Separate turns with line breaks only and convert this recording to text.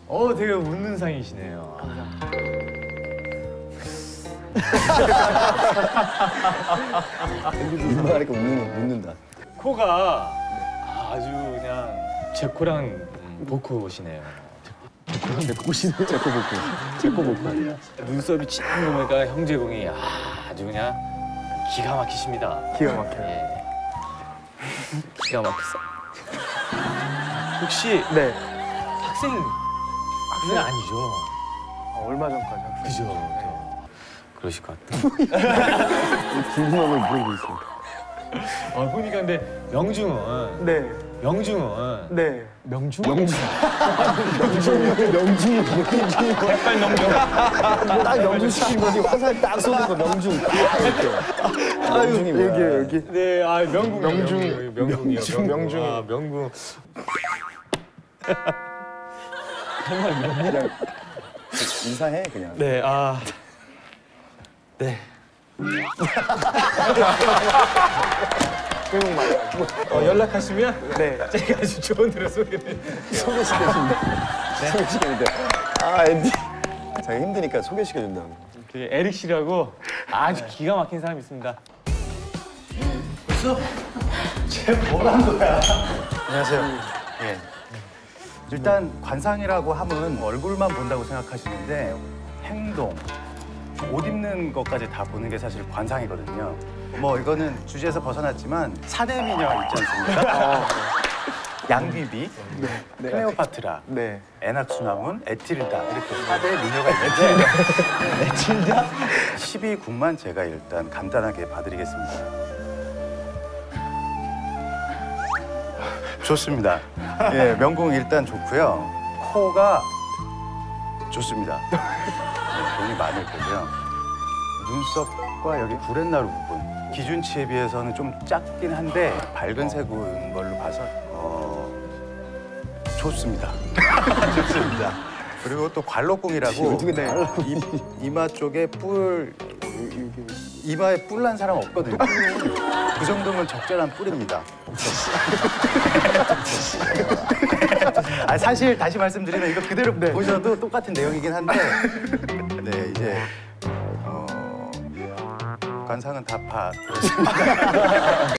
되게 웃는 상이시네요.
입만 하니까 웃는다.
코가 아주 그냥 제 코랑 복코시네요.
제 꼬복고.
눈썹이 진한 거 보니까 형제공이 아주 그냥 기가 막히십니다.
기가 막혀요.
예. 기가 막혔어. 혹시
네.
학생 아니죠?
얼마 전까지 학생.
그죠? 그러실 것 같아.
궁금한 걸 물어보고 있어요.
보니까 근데 명중은
네. 네.
명중이
백발 명중.
딱 명중 시킨 거지. 화살 딱 쏘는 거 명중. 명중이 뭐야?
여기.
네, 명궁.
명중이요.
명중. 명궁.
그냥 인사해 그냥.
네, 네.
외국말.
연락하시면
네.
제가 아주 좋은 노래
소개시켜준대. 앤디. 자기 힘드니까 소개시켜준다고.
에릭 씨라고 아주 기가 막힌 사람이 있습니다.
안녕하세요. 예. 일단 관상이라고 하면 얼굴만 본다고 생각하시는데 행동, 옷 입는 것까지 다 보는 게 사실 관상이거든요. 뭐 이거는 주제에서 벗어났지만 사내미녀 있지 않습니까? 양귀비, 클레오파트라,
네.
에낙수나문, 에틸다 이렇게 4대 미녀가 있는데 에틸다? 12궁만 제가 일단 간단하게 봐드리겠습니다. 좋습니다. 예, 명궁 일단 좋고요. 코가 좋습니다. 돈이 많을 거고요. 눈썹과 여기 구렛나루 부분 기준치에 비해서는 좀 작긴 한데 밝은 색인 걸로 봐서 좋습니다. 좋습니다. 그리고 또 관록궁이라고 이마 쪽에 이마에 뿔 난 사람 없거든요. 그 정도면 적절한 뿔입니다. 사실 다시 말씀드리면 이거 그대로 보셔도 똑같은 내용이긴 한데 네 이제 관상은 다